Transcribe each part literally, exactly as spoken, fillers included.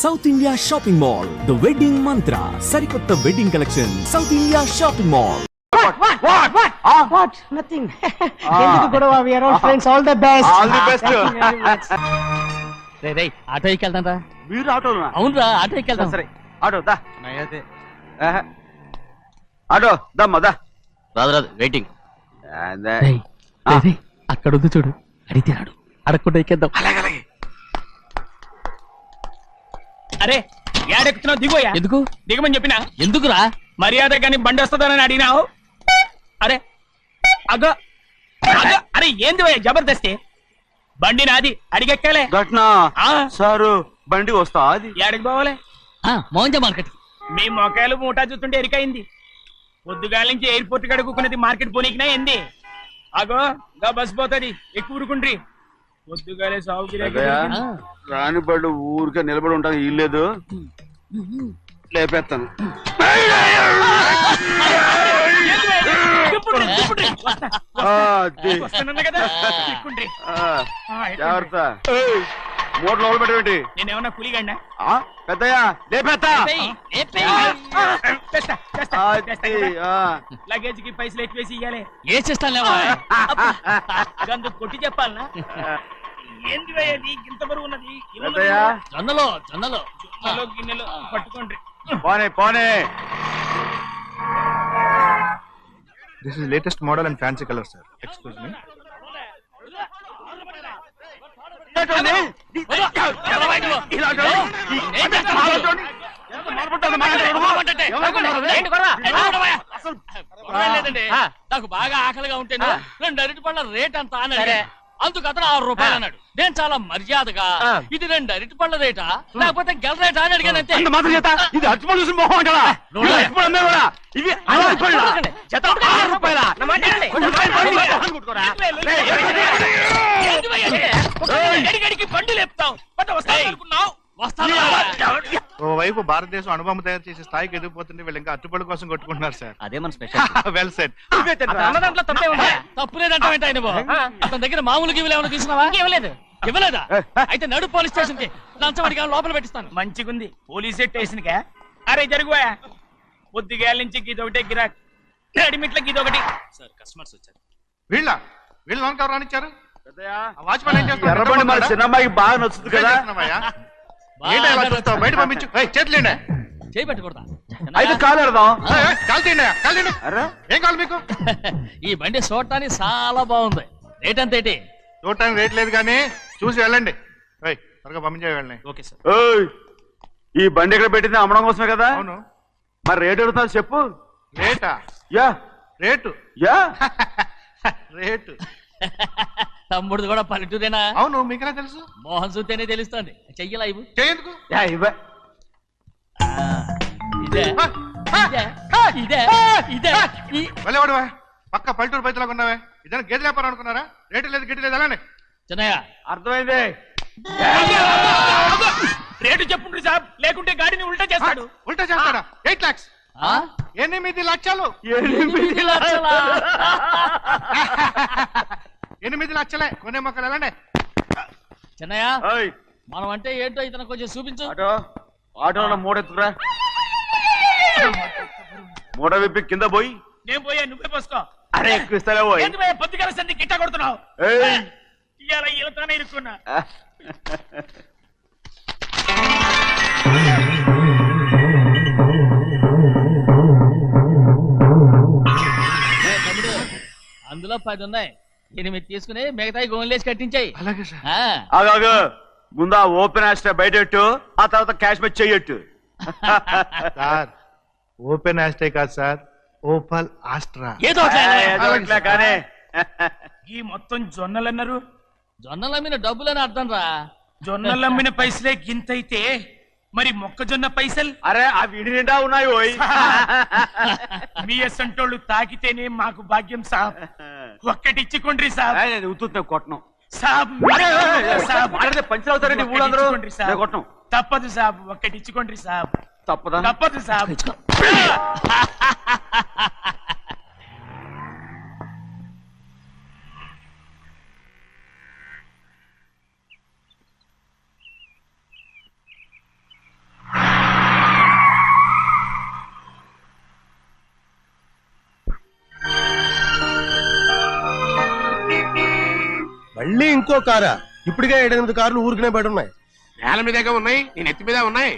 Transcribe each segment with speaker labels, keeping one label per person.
Speaker 1: South India shopping mall the wedding Mantra సరికొత్త wedding collection South India shopping mall.
Speaker 2: What? What? What? Ah. What? Nothing. ఎందుకు గొడవ? We are all friends. All the best.
Speaker 3: All the best.
Speaker 4: రే రే auto ఎక్కి వెళ్తాం రా.
Speaker 3: మీరు ఆటోనా?
Speaker 4: అవునురా ఆటో ఎక్కి వెళ్తాం.
Speaker 3: సరే ఆటో దా. ఆటో దమ్మా దా.
Speaker 4: రాదు రాదు వెయిటింగ్.
Speaker 3: అదే.
Speaker 4: అక్కడ ఉంది చూడు, అడిగితే రాడు, అడగకుండా ఎక్కేద్దాం.
Speaker 3: అలాగే.
Speaker 5: అరే ఏడెక్కుతున్నావు? దిగోయా.
Speaker 4: ఎందుకు
Speaker 5: దిగమని చెప్పినా?
Speaker 4: ఎందుకురా?
Speaker 5: మర్యాద కానీ బండి వస్తుందని అడిగినావు. అరే అగో అగో అరే ఏంది భయ్యా జబర్దస్తి? బండి నాది, అడిగెక్కాలే.
Speaker 3: ఘట్నా సారు బండి వస్తా అది
Speaker 5: ఏడకి పోవాలి?
Speaker 4: మోహన్ మార్కెట్.
Speaker 5: మీ మొక్కలు మూటా చూస్తుంటే ఎరికైంది. పొద్దుగాల నుంచి ఎయిర్పోర్ట్ కడుక్కున్నది మార్కెట్ పోనీకినా ఏంది? అగో గా బస్ పోతుంది, ఎక్కువ ఊరుకుండ్రి. పొద్దుగాలే సాగు
Speaker 3: రాని బళ్ళు ఊరికే నిలబడి ఉంటాను, ఇల్లేదు లేపేస్తాను. జాగ్రత్త, మూడు లోపల పెట్టేటి.
Speaker 5: నేనేమన్నా కూలిగండా?
Speaker 3: పెద్దయ్యా లేపేస్తా.
Speaker 5: లగేజ్ కి పైసలు ఎక్కువేసి ఇయ్యాలి.
Speaker 4: ఏ చేస్తానులేవా?
Speaker 5: గందు కొట్టి చెప్పాలనా? ఏంది భయ్యది ఇంత బరువు ఉన్నది?
Speaker 3: పెద్దయ్యా
Speaker 4: జొన్నలో జొన్నలో
Speaker 5: జొన్నలో గిన్నెలు పట్టుకోండి.
Speaker 3: పోనే పోనే.
Speaker 6: This is latest model and fancy color, sir. Excuse me.
Speaker 4: నాకు బాగా ఆకలిగా ఉంటేను రెండు అరటి పళ్ళ రేట్ అంత అన్నాడు. అందుకు అతను ఆరు రూపాయలు అన్నాడు. నేను చాలా మర్యాదగా ఇది రెండు అరటి పళ్ళ రేటా లేకపోతే గెల రేటా అని అడిగాను. అంతే.
Speaker 3: ఇది అచ్చిపళ్ళు చూసి మొహం అంటారా? ఇవి
Speaker 5: బండి లేపుతావు.
Speaker 6: ఓవైపు భారతదేశం అనుభవం తయారు చేసే స్థాయికి ఎదిగిపోతుంటే వీళ్ళు ఇంకా అట్టుపడి కోసం కొట్టుకుంటున్నారు సార్.
Speaker 4: అదే మన స్పెషల్.
Speaker 6: Well said.
Speaker 5: అన్నదాంట్లో తప్పే ఉందా?
Speaker 4: తప్పులేదంటావేంట ఆయన? అతని దగ్గర మామూలు గివ్వులు ఏమైనా తీసుకున్నావా? ఇవ్వలేదు. ఇవ్వలేదా? అయితే నడు పోలీస్ స్టేషన్ కి లంచం అడిగా లోపల పెట్టిస్తాను.
Speaker 5: మంచిగుంది పోలీస్ స్టేషన్ కా? అరే జరుగుయా. పొద్దుగాల నుంచి గీదొకటే గిరాక్, రెడీమేట్ల గీదొకటి. సార్ కస్టమర్స్ వచ్చారు.
Speaker 6: వీళ్ళ వీళ్ళు లోన్ కవర్ రానిచ్చారు.
Speaker 3: వాచ్మెన్ ఏం చేస్తాడు? ఎర్రబండి మన చిన్నమ్మాయికి బాగా నచ్చుతుంది కదా.
Speaker 6: బయట పంపించు. చేతులేండి.
Speaker 4: చేయి పెట్టకూడదా?
Speaker 3: అయితే కాలు ఎడదాం.
Speaker 6: కాలు తీయండి. కాలు తీయండి. ఏం కావాలి మీకు?
Speaker 4: ఈ బండి చూడటానికి చాలా బాగుంది. రేట్ అంత ఏంటి?
Speaker 6: చూడటానికి రేట్ లేదు కానీ చూసి వెళ్ళండి. త్వరగా పంపించే వెళ్ళండి.
Speaker 4: Okay sir.
Speaker 3: ఈ బండి ఇక్కడ పెట్టింది అమ్మడం కోసమే కదా?
Speaker 6: అవును.
Speaker 3: మరి రేట్ అడుగుతా చెప్పు.
Speaker 6: రేటా?
Speaker 3: యా
Speaker 6: రేటు
Speaker 3: యా
Speaker 6: రేటు.
Speaker 4: తమ్ముడు కూడా పల్లెటూరేనా?
Speaker 6: అవును. మీకెలా తెలుసు?
Speaker 4: మోహన్ చూస్తేనే తెలుస్తుంది. చెయ్యలా ఇవ్వు.
Speaker 6: చెయ్యేందుకు?
Speaker 4: ఇదే ఇదే ఇదే
Speaker 6: వెళ్ళేవాడువా? పక్క పల్లెటూరు బయటలాగా ఉన్నావే. ఇదైనా గేదె వ్యాపారం అనుకున్నారా? రేటు లేదు గిట్టు లేదు. అలానే
Speaker 4: చిన్నయ్య
Speaker 3: అర్థమైంది.
Speaker 5: రేటు చెప్పుండ్రి సాబ్, లేకుంటే గాడిని ఉల్టా చేస్తాడు.
Speaker 6: ఉల్టా చేస్తాడా? ఎయిట్ లాక్స్. ఎనిమిది లక్షలు.
Speaker 4: ఎనిమిది లక్షలా?
Speaker 6: ఎనిమిది లక్షలే. కొనే మొక్కలు వెళ్ళండి.
Speaker 4: చిన్నయ్య మనం అంటే ఏంటో ఇతను కొంచెం చూపించు.
Speaker 3: ఆటో ఆటోలో మూడెత్తురా. మూడ విప్పి కింద పోయి.
Speaker 5: నేను పోయా, నువ్వే పోసుకో.
Speaker 3: అరే ఎక్కువ ఇస్తాలే పోయి.
Speaker 5: పొద్దుగల సంది గిట్ట కొడుతున్నావు. ఇవాళ ఈలతోనే ఇరుక్కున్నా.
Speaker 4: అందులో పది ఉన్నాయి. ఎనిమిది తీసుకుని మిగతాయి గోన్లేసి కట్టించాయి.
Speaker 6: అలాగే సార్.
Speaker 3: ఆగాగు, ముందు ఆ ఓపెన్ ఆస్ట్రా బయటెట్టు, ఆ తర్వాత క్యాష్ మీద చెయ్యట్టు.
Speaker 6: సార్ ఓపెన్ ఆస్ట్రే కాదు సార్, ఓపల్ ఆస్ట్రా.
Speaker 4: ఏదో
Speaker 3: కానీ
Speaker 5: ఈ మొత్తం జొన్నలన్నారు.
Speaker 4: జొన్నలమ్మిన డబ్బులని అర్థం రా.
Speaker 5: జొన్నలమ్మిన పైసలే గింతైతే మరి మొక్కజొన్న పైసలు?
Speaker 3: అరే ఆ విడి నిండా ఉన్నాయి. ఓయ్
Speaker 5: మీ అసంటోళ్ళు తాకితేనే మాకు భాగ్యం సాబ్. ఒక్కటిచ్చుకోండి సాబ్.
Speaker 3: ఉత్తున్నా కొట్టను
Speaker 5: సాబ్.
Speaker 3: పంచర్ అవుతారండి ఊళ్ళందరూ. కొట్టను.
Speaker 5: తప్పదు సాబ్, ఒక్కటిచ్చుకోండి సాబ్.
Speaker 3: తప్పదా?
Speaker 5: తప్పదు సాబ్.
Speaker 7: ఇంకో కారా? ఇప్పటికే ఏడెనిమిది కార్లు ఊరికనే బయట ఉన్నాయి.
Speaker 8: నేల మీదగా ఉన్నాయి, నేను ఎత్తి మీద ఉన్నాయి.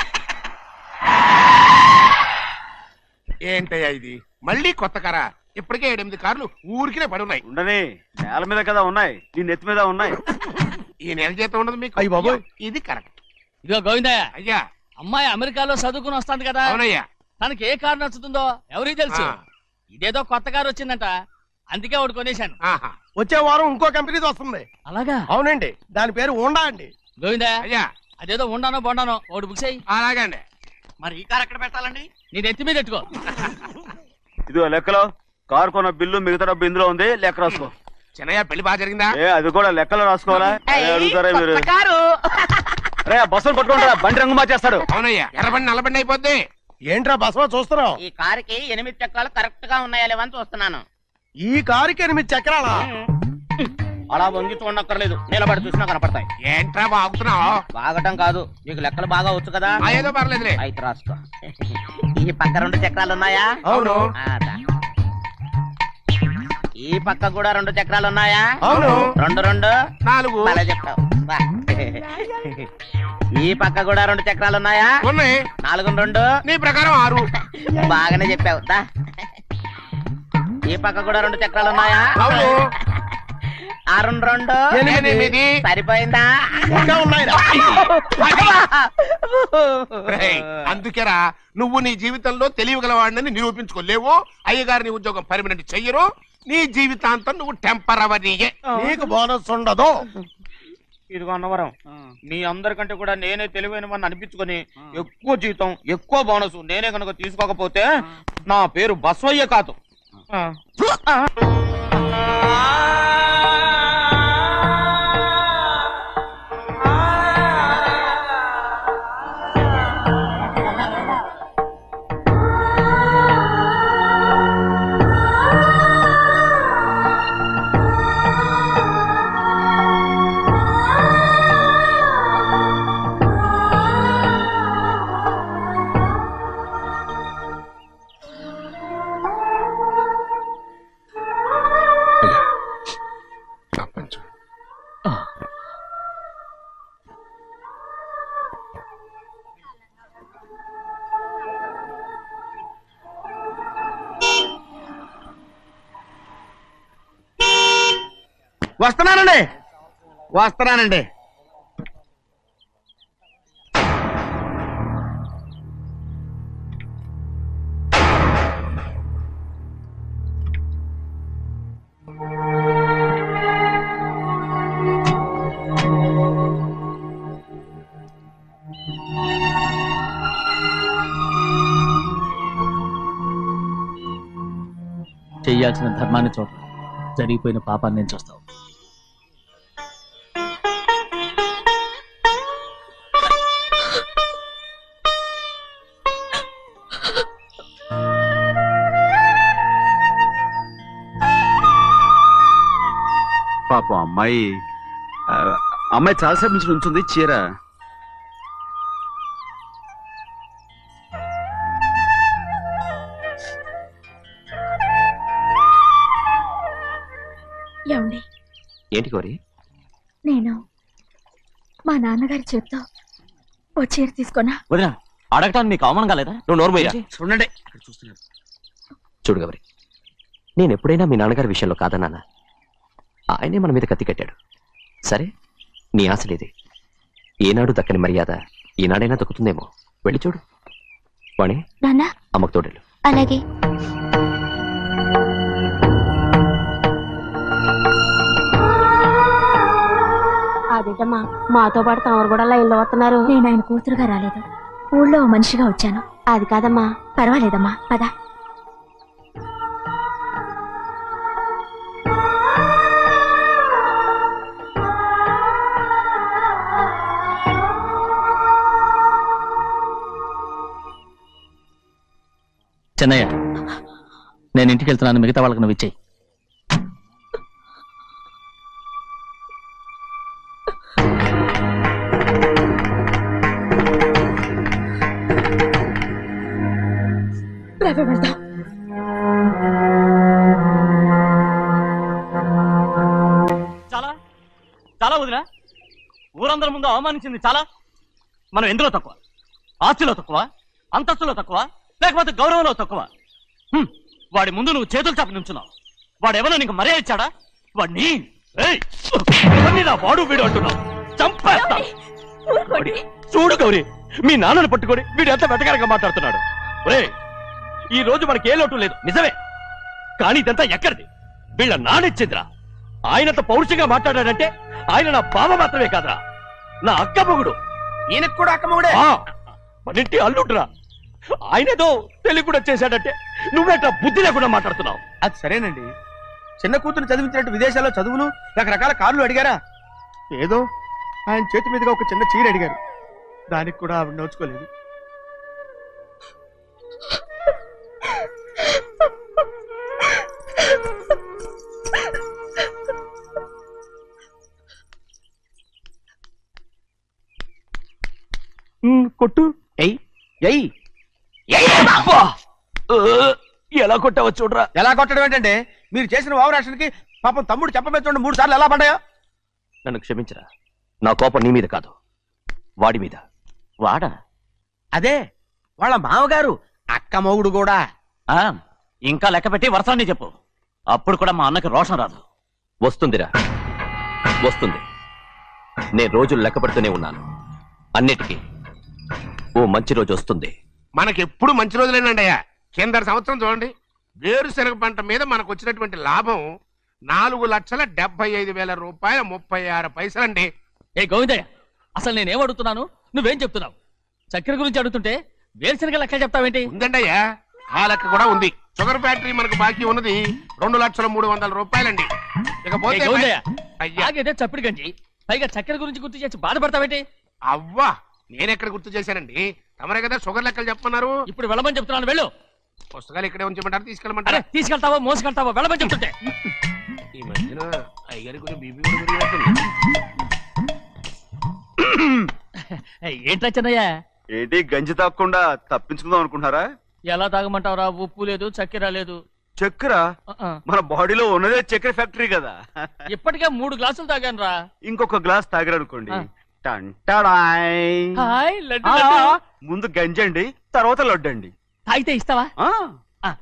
Speaker 8: ఏంటయ్యా ఇది? మళ్ళీ కొత్త కారా? ఇప్పటికే ఏడెనిమిది కార్లు ఊరికినే పడి ఉన్నాయి.
Speaker 3: ఉండని, నేల మీద కదా ఉన్నాయి, నీ నెత్తి మీద ఉన్నాయి.
Speaker 8: ఈ నెల జీతం ఉండదు మీకు.
Speaker 7: అయ్య బాబోయ్.
Speaker 8: ఇది కరెక్ట్.
Speaker 4: ఇదిగో గోవిందయ్య,
Speaker 8: అయ్యా.
Speaker 4: అమ్మాయి అమెరికాలో చదువుకుని వస్తాంది కదా,
Speaker 8: అవునయ్యా.
Speaker 4: తనకి ఏ కారు నచ్చుతుందో ఎవరికి తెలుసు.
Speaker 8: ఆ.
Speaker 4: ఇదేదో కొత్త కారు వచ్చిందంట, అందుకే ఒకటి కొనేశాను.
Speaker 8: ఆహా.
Speaker 7: వచ్చే వారం ఇంకో కంపెనీది వస్తుంది.
Speaker 4: అలాగా?
Speaker 7: అవునండి, దాని పేరు హోండా అండి.
Speaker 4: గోవిందయ్య,
Speaker 8: అయ్యా.
Speaker 4: అదేదో ఉండానో బొండానో ఒకటి బుక్ చేయి.
Speaker 8: అలాగండి.
Speaker 5: మరి ఈ కార్ ఎక్కడ పెట్టాలండి?
Speaker 4: నీ నెత్తి మీద ఎట్టుకో.
Speaker 3: ఇదిగో లెక్కలో కారు కొన్న బిల్లు మిగతా డబ్బు ఇందులో ఉంది, లెక్క రాసుకో.
Speaker 8: చిన్నయ్య పెళ్లి బాగా జరిగిందా?
Speaker 3: ఏ అది కూడా లెక్కలో రాసుకోవాలా? అదే అడుగుతారా మీరు? రే బస్సులు పట్టుకుంటారా, బండి రంగు మార్చేస్తాడు.
Speaker 8: అవునయ్యా, ఎర్రబండి నల్లబండి అయిపోద్ది.
Speaker 7: ఏంట్రా బసవా చూస్తున్నావు?
Speaker 5: ఈ కారుకి ఎనిమిది చక్రాలు కరెక్ట్ గా ఉన్నాయా లేవని చూస్తున్నాను.
Speaker 7: ఈ కారుకి ఎనిమిది చక్రాలా?
Speaker 5: అలా వంగి చూడక్కర్లేదు, నిలబడి చూసినా కనపడతాయి.
Speaker 8: ఏంట్రా బాగుతున్నావు?
Speaker 5: బాగటం కాదు, నీకు లెక్కలు బాగా వచ్చు కదా.
Speaker 8: ఆ, ఏదో పర్లేదులే.
Speaker 5: అయితే రాసుకో. ఈ పక్క రెండు చక్రాలు ఉన్నాయా?
Speaker 7: అవును.
Speaker 5: ఆ, దా. ఈ పక్క కూడా రెండు చక్రాలు ఉన్నాయా?
Speaker 7: అవును.
Speaker 5: రెండు రెండు
Speaker 8: నాలుగు.
Speaker 5: భలే చెప్తావు. బా. ఈ పక్క కూడా రెండు చక్రాలు ఉన్నాయా?
Speaker 8: ఉన్నాయి.
Speaker 5: నాలుగు రెండు
Speaker 8: నీ ప్రకారం ఆరు.
Speaker 5: బాగానే చెప్పావు. దా. ఈ పక్క కూడా రెండు చక్రాలు ఉన్నాయా?
Speaker 8: అవును.
Speaker 5: ఆ రెండు రెండు
Speaker 8: ఎనిమిది.
Speaker 5: సరిపోయిందా?
Speaker 7: ఇంకా ఉన్నాయిరా.
Speaker 8: రేయ్, అందుకేరా నువ్వు నీ జీవితంలో తెలియగలవాడిని నిరూపించుకోలేవు. అయ్యగారి నీ ఉద్యోగం పర్మనెంట్ చెయ్యరు. నీ జీవితాంతం నువ్వు టెంపరవరీయే.
Speaker 7: నీకు బోనస్ ఉండదు.
Speaker 5: ఇదిగో అన్నవరం, మీ అందరికంటే కూడా నేనే తెలివైన వాడిని అనిపించుకొని ఎక్కువ జీతం ఎక్కువ బోనస్ నేనే కనుక తీసుకోకపోతే నా పేరు బస్వయ్య కాదు.
Speaker 8: వస్తున్నానండి వస్తున్నానండి
Speaker 4: చెయ్యాల్సిన ధర్మాన్ని చూడ, జరిగిపోయిన పాపాన్ని నేను చూస్తావు.
Speaker 3: పాపం అమ్మాయి ఆ, అమ్మాయి చాలాసేపు నుంచి ఉంచుంది చీర.
Speaker 9: ఏమండి?
Speaker 10: ఏంటి కోరి?
Speaker 9: నేను మా నాన్నగారి చేత్తో ఓ చీర తీసుకున్నా.
Speaker 1: వదినా, అడగటానికి మీకు అవమానం కాలేదా?
Speaker 10: నువ్వు నోర్మయ్యా.
Speaker 3: చూడండి చూస్తున్నారు.
Speaker 10: చూడు గౌరి, నేను ఎప్పుడైనా మీ నాన్నగారి విషయంలో కాదన్నానా? ఆయనే మన మీద కత్తి కట్టాడు. సరే, నీ ఆశలేది. ఏనాడు దక్కని మర్యాద ఈనాడైనా దక్కుతుందేమో. వెళ్ళి చూడు. వాణి,
Speaker 9: నాన్న
Speaker 10: అమ్మకు తోడేళ్ళు.
Speaker 9: అలాగే. అదేంటమ్మా, మాతో పాటు తమరు కూడా లైన్లో వస్తున్నారు. నేను ఆయన కూతురుగా రాలేదు, ఊళ్ళో ఓ మనిషిగా వచ్చాను. అది కాదమ్మా. పర్వాలేదమ్మా, పద.
Speaker 4: చెన్నయ్య, నేను ఇంటికి వెళ్తున్నాను, మిగతా వాళ్ళకి నువ్వు ఇచ్చేయి.
Speaker 9: వెళ్దాం.
Speaker 4: చాలా ముందు అవమానించింది చాలా. మనం ఎందులో తక్కువ? ఆస్తిలో తక్కువ, అంతస్తులో తక్కువ, లేకపోతే గౌరవంలో తక్కువ? హ్మ్. వాడి ముందు నువ్వు చేతులు చాపి నుంచున్నావు. వాడెవరో నీకు మర్యాద ఇచ్చాడా? వాడిని ఏయ్! ఎవరిని నా వాడు వీడు అంటున్నావు? చంపేస్తా. వాడి- చూడు గౌరీ, మీ నాన్నను పట్టుకొని వీడు ఎంత వెతకారంగా మాట్లాడుతున్నాడు. ఒరే, ఈ రోజు మనకి ఏ లోటు లేదు నిజమే, కానీ ఇదంతా ఎక్కడిది? వీళ్ళ నానిచ్చిందిరా. ఆయనంత పౌరుషంగా మాట్లాడాడంటే ఆయన నా బావ మాత్రమే కాదురా, నా అక్క మొగుడు.
Speaker 5: ఈయనకు కూడా అక్కమ్మగుడే.
Speaker 4: ఆ, మనింటి అల్లుడురా. ఆయనేదో తెలివి కూడా చేశాడంటే నువ్వేట్లా బుద్ధి లేకుండా మాట్లాడుతున్నావు?
Speaker 5: అది సరేనండి, చిన్న కూతురు చదివించినట్టు విదేశాల్లో చదువులు రకరకాల కార్లు అడిగారా? ఏదో ఆయన చేతి మీదుగా ఒక చిన్న చీర అడిగారు, దానికి కూడా ఆవిడ నోచుకోలేదు.
Speaker 4: కొట్టు.
Speaker 5: ఎయ్ ఎయ్
Speaker 4: ఎలా కొట్టావో చూడరా.
Speaker 5: ఎలా కొట్టడం ఏంటంటే, మీరు చేసిన వావరాక్షణకి పాపం తమ్ముడు చెప్పబెట్టండి మూడు సార్లు ఎలా పడ్డాయో.
Speaker 10: నన్ను క్షమించరా, నా కోపం నీ మీద కాదు, వాడి మీద.
Speaker 4: వాడా?
Speaker 5: అదే వాళ్ళ మామగారు అక్క మొగుడు కూడా.
Speaker 4: ఇంకా లెక్క పెట్టి వరసాన్ని చెప్పు, అప్పుడు కూడా మా అన్నకి రోషం రాదు.
Speaker 10: వస్తుందిరా, వస్తుంది. నేను రోజులు లెక్క పెడుతూనే ఉన్నాను. అన్నిటికీ ఓ మంచి రోజు వస్తుంది.
Speaker 8: మనకెప్పుడు మంచి రోజులేనండి అయ్యా. కింద సంవత్సరం చూడండి, వేరుశనగ పంట మీద మనకు వచ్చినటువంటి లాభం నాలుగు లక్షల డెబ్బై ఐదు వేల రూపాయల ముప్పై ఆరు పైసలండి.
Speaker 4: ఏ గోవిందయ్య, అసలు నేనేం అడుగుతున్నాను, నువ్వేం చెప్తున్నావు? చక్కెర గురించి అడుగుతుంటే వేరుశనగ లెక్క చెప్తావేంటి?
Speaker 8: ఉందండి అయ్యా, ఆ లెక్క కూడా ఉంది. షుగర్ ఫ్యాక్టరీ మనకు బాకీ ఉన్నది రెండు లక్షల మూడు వందల రూపాయలండి. ఇకపోతే అయ్యా
Speaker 4: ఆగేదే చప్పిడి గంజి, పైగా చక్కెర గురించి గుర్తు చేసి బాధపడతావేంటి?
Speaker 8: అవ్వా, నేనెక్కడ గుర్తు చేశానండి, తమరే కదా షుగర్ లెక్కలు చెప్పమన్నారు.
Speaker 4: ఇప్పుడు వెళ్ళమని చెప్తున్నాను, వెళ్ళు.
Speaker 8: పుస్తకాలు ఇక్కడే ఉంచమంటారు,
Speaker 4: అరే
Speaker 8: తీసుకెళ్ళమంటారా?
Speaker 4: తీసుకెళ్తావో మోసుకెళ్తావో వెళ్ళమని చెప్తుంటే.
Speaker 8: ఈ మధ్యన అయ్యగారి కొంచెం బీపీ కూడా పెరిగినట్టుంది.
Speaker 4: ఏంట్రా చిన్నయ్య,
Speaker 3: ఏంటి గంజి తాగకుండా తప్పించుకుందాం అనుకుంటున్నారా?
Speaker 4: ఎలా తాగమంటావురా? ఉప్పు లేదు, చక్కెర లేదు.
Speaker 3: చక్కెర
Speaker 4: ఆ, ఆ.
Speaker 3: మన బాడీలో ఉన్నదే చక్కెర ఫ్యాక్టరీ కదా.
Speaker 4: ఇప్పటికే మూడు గ్లాసులు తాగాను రా.
Speaker 3: ఇంకొక గ్లాస్ తాగారనుకోండి,
Speaker 4: ఆ.
Speaker 3: టంటాడాయ్.
Speaker 4: హాయ్ లడ్డు
Speaker 3: ఆ,
Speaker 4: లడ్డు.
Speaker 3: ముందు గంజండి, తర్వాత లడ్డండి.
Speaker 4: తాగితే ఇస్తావా?
Speaker 3: ఆ,
Speaker 4: ఆ.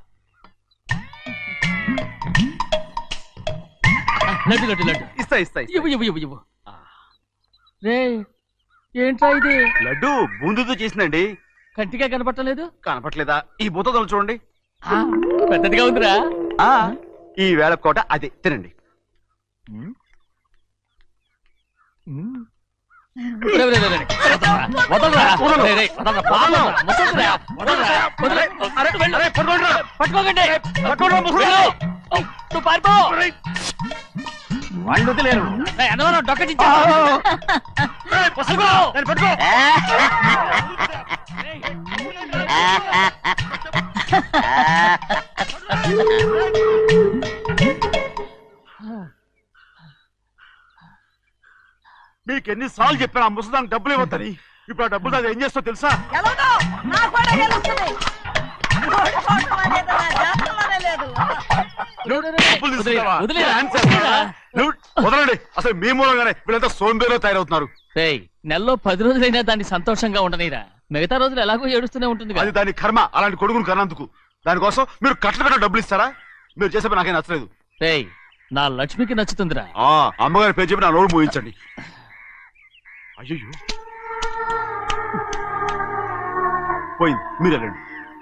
Speaker 4: లడ్డు లడ్డు లడ్డు
Speaker 3: ఇస్తా ఇస్తా ఇస్తా.
Speaker 4: ఇవ్వు ఇవ్వు ఇవ్వు ఇవ్వు. రే, ఏంట్రా ఇది?
Speaker 3: లడ్డు బూందుతో చేసిందండి.
Speaker 4: కంటిగా కనపట్టలేదు.
Speaker 3: కనపట్లేదా? ఈ బూతలు చూడండి.
Speaker 4: పెద్దదిగా ఉందిరా.
Speaker 3: ఆ, ఈ వేళ కోట అదే తినండి.
Speaker 4: రే, రే, రే, రే. వదలరా. రే, రే, వదలరా. పాపం. ముసలిరా. వదలరా. వదలరా. వెళ్ళు. పట్టుకోకండి. వెళ్ళు. నువ్వు పారిపో.
Speaker 5: వాళ్ళు వదిలేరు.
Speaker 4: రే, అన్నవరం డొక్కచించా. రే, పట్టుకో. పట్టుకో.
Speaker 3: మీకు ఎన్నిసార్లు చెప్పాను ఆ ముసదానికి డబ్బులు ఇవ్వద్దని. ఇప్పుడు ఆ డబ్బులు అది ఏం చేస్తో తెలుసా? డబ్బులు తీసుకున్నావా?
Speaker 4: వదిలేరా.
Speaker 3: డాన్స్ చేస్తావా? నువ్వు వదలండి. అసలు మీ మూలంగానే వీళ్ళంతా సోంబేలో తయారవుతున్నారు.
Speaker 4: రేయ్, నెలలో పది రోజులైనా దాన్ని సంతోషంగా ఉండనీరా. మిగతా రోజులు ఎలాగో ఏడుస్తూనే ఉంటుంది
Speaker 3: అది దాని కర్మ, అలాంటి కొడుకును కన్నందుకు. దానికోసం మీరు కట్ల కట్ట డబ్బులు ఇస్తారా? మీరు చేసే పని నాకేం నచ్చలేదు.
Speaker 4: రేయ్, నా లక్ష్మికి నచ్చుతుందిరా.
Speaker 3: ఆ అమ్మగారి పేరు చెప్పి నా నోరు మోయించండి. అయ్యో పోయింది, మీరు వెళ్ళండి.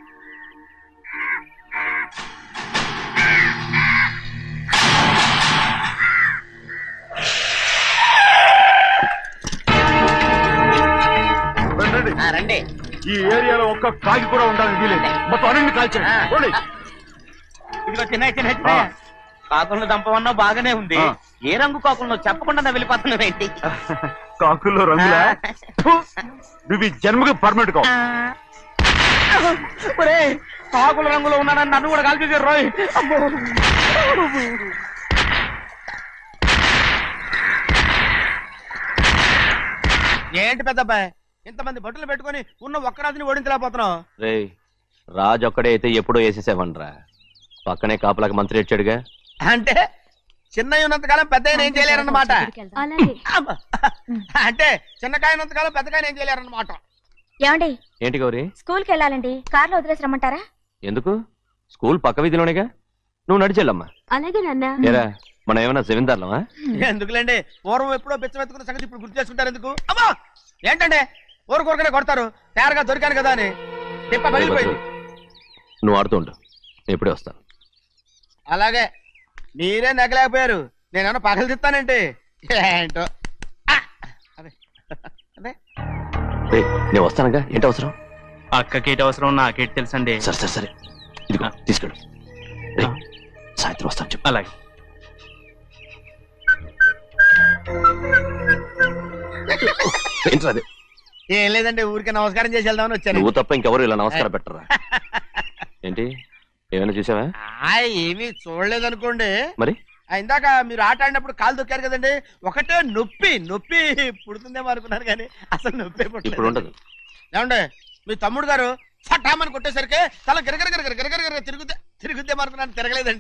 Speaker 3: రండి. ఈ ఏరియాలో ఒక్క కాకి కూడా ఉండాలని వీలేదు. మొత్తం అన్ని కాల్చండి. పోండి.
Speaker 5: ఇదిగో చిన్న చిన్న చిన్న కాకులను దంపమన్నా బాగానే ఉంది.
Speaker 3: ఆ.
Speaker 5: ఏ రంగు కాకులను చెప్పకుండా వెళ్ళిపోతున్నావు ఏంటి?
Speaker 3: కాకుల్లో రంగులా? ఫు! నువ్వు ఈ జన్మకి పర్మనెంట్ కావు.
Speaker 5: కాకుల రంగులో ఉన్నానని నన్ను కూడా కాల్చేసారు రోయ్. ఏంటి పెద్దబ్బాయ్, ఇంతమంది బట్టలు పెట్టుకుని ఉన్న ఒక్కరాజుని ఓడించలేకపోతున్నావు?
Speaker 10: రే, రాజు ఒక్కడే అయితే ఎప్పుడో వేసేసేవనరా. పక్కనే కాపలాకి మంత్రి వచ్చాడుగా.
Speaker 5: అంటే
Speaker 3: చిన్నయ్య ఉన్నంతకాలం పెద్ద ఏం చేయలేరన్నమాట.
Speaker 9: అలాగే
Speaker 3: అమ్మ. అంటే చిన్నకాయ ఉన్నంతకాలం పెద్దకాయ ఏం చేయలేరన్నమాట.
Speaker 9: ఏమండి
Speaker 10: ఏంటి గౌరీ?
Speaker 9: స్కూల్కి వెళ్ళాలండి, కార్లో వదిలేసి రమ్మంటారా?
Speaker 10: ఎందుకు? స్కూల్ పక్క వీధిలోనేగా, నువ్వు నడిచెళ్ళమ్మా.
Speaker 9: అలాగే నాన్న.
Speaker 10: ఏరా మనం ఏమన్నా జమీందార్లమా?
Speaker 3: ఎందుకులేండి, పూర్వం ఎప్పుడో బిచ్చమెత్తుకున్న సంగతి ఇప్పుడు గుర్తు చేసుకుంటారు ఎందుకు? అమ్మా ఏంటంటే ఊరుకోరకనే కొడతారు, తయారుగా దొరికాను కదా అని. తిప్ప పగిలిపోయింది.
Speaker 10: నువ్వు ఆడుతూ ఉండు, నేను ఇప్పుడే వస్తాను.
Speaker 3: అలాగే మీరే నగలేకపోయారు, నేనేమన్నా పగలు తిస్తానంటే ఏంటో. ఆ! అదే అదే
Speaker 10: రేయ్, నేను వస్తానుగా, ఏంటి అవసరం?
Speaker 4: అక్కకేటి అవసరం నాకేటి తెలుసండి.
Speaker 10: సరే సరే సరే, ఇదిగో తీసుకెళ్ళు. రేయ్, సాయంత్రం వస్తాను చెప్పు.
Speaker 4: అలాగే.
Speaker 10: ఏంట్రా అది?
Speaker 3: ఏం లేదండి, ఊరికే నమస్కారం చేసి వెళ్దామని వచ్చాను.
Speaker 10: నువ్వు తప్ప ఇంకెవరు ఇలా నమస్కారం పెట్టరా? ఏంటి ఏమైనా చూసావా?
Speaker 3: ఆ, ఏమీ చూడలేదనుకోండి.
Speaker 10: మరి
Speaker 3: ఆ, ఇందాక మీరు ఆట ఆడినప్పుడు కాలు దొక్కారు కదండి, ఒకటే నొప్పి నొప్పి పుడుతుందేమో అనుకున్నారు కానీ అసలు నొప్పి
Speaker 10: ఇప్పుడు ఉండదు.
Speaker 3: ఏమండి మీ తమ్ముడు గారు ఫటామని కొట్టేసరికి తల గిరగిర గిరగిర గిరగిర తిరుగుద్దే తిరుగుద్దేమో అనుకున్నాను, తిరగలేదండి.